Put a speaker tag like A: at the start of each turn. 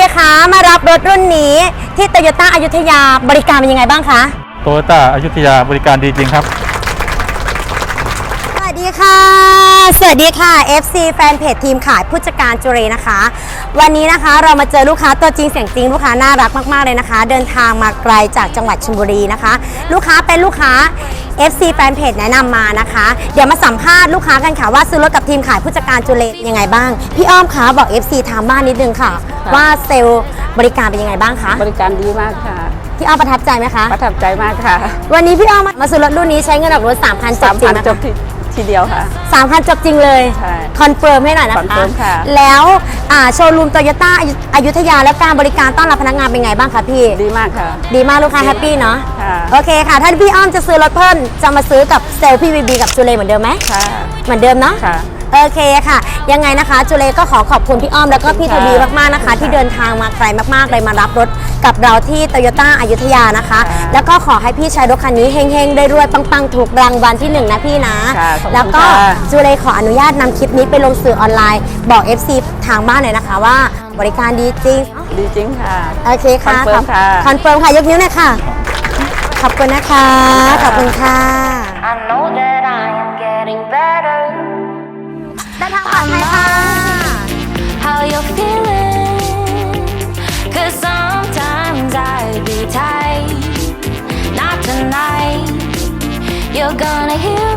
A: คะมารับรถรุ่นนี้ที่โตโยต้าอยุธยาบริการเป็นยังไงบ้างคะ
B: โตโยต้าอยุธยาบริการดีจริงครับ
A: สวัสดีค่ะสวัสดีค่ะ FC แฟนเพจทีมขายผู้จัดการจุเรนะคะวันนี้นะคะเรามาเจอลูกค้าตัวจริงเสียงจริงลูกค้าน่ารักมากๆเลยนะคะเดินทางมาไกลจากจังหวัดชลบุรีนะคะลูกค้าเป็นลูกค้า FC แฟนเพจแนะนำมานะคะเดี๋ยวมาสัมภาษณ์ลูกค้ากันค่ะว่าซื้อรถกับทีมขายผู้จัดการจุเรยังไงบ้างพี่อ้อมคะบอก FC ทางบ้านนิดนึงค่ะว่าเซลล์บริการเป็นยังไงบ้างคะ
C: บริการดีมากค่ะ
A: พี่อ้อมประทับใจไหมคะ
C: ประทับใจมากค่ะ
A: วันนี้พี่อ้อมมาซื้อรถรุ่นนี้ใช้เงินออกรถ 3,000 จบจริงไหม
C: จบทีเดียวค่ะ
A: 3,000 จบจริงเลย
C: ใช่
A: คอนเฟิร์มให้หน่อยนะคะ
C: คอนเฟิร์มค่ะ
A: แล้วโชว์รูมโตโยต้าอยุธยาและการบริการต้อนรับพนักงานเป็นไงบ้างคะพี่
C: ดีมากค่ะ
A: ดีมากลูกค้าแฮปปี้เนาะโอเคค่ะถ้าพี่อ้อมจะซื้อรถเพิ่มจะมาซื้อกับเซลล์พี่บีบีกับจูเลเหมือนเดิมไหม
C: ค่ะ
A: เหมือนเดิมเนาะ
C: ค่ะ
A: โอเคค่ะยังไงนะคะจูเลก็ขอขอบคุณพี่อ้อมแล้วก็พี่ทวีมากๆนะคะที่เดินทางมาไกลมากๆเลยมารับรถกับเราที่โตโยต้าอยุธยานะคะแล้วก็ขอให้พี่ใช้รถคันนี้เฮงๆได้รวยปังๆถูกรางวัลที่1นะพี่นะแล้วก็จูเลขออนุญาตนำคลิปนี้ไปลงสื่อออนไลน์บอก FC ทางบ้านหน่อยนะคะว่าบริการดีจริง
C: ดีจริงค่ะ
A: โอเคค่ะ
C: คอนเฟิร์มค่ะ
A: คอนเฟิร์มค่ะยกนิ้วหน่อยค่ะขอบคุณนะคะขอบคุณค่ะได้ทางปลอดภัยค่ะ
D: How you feeling? 'Cause sometimes I be tight. Not tonight. You're gonna hear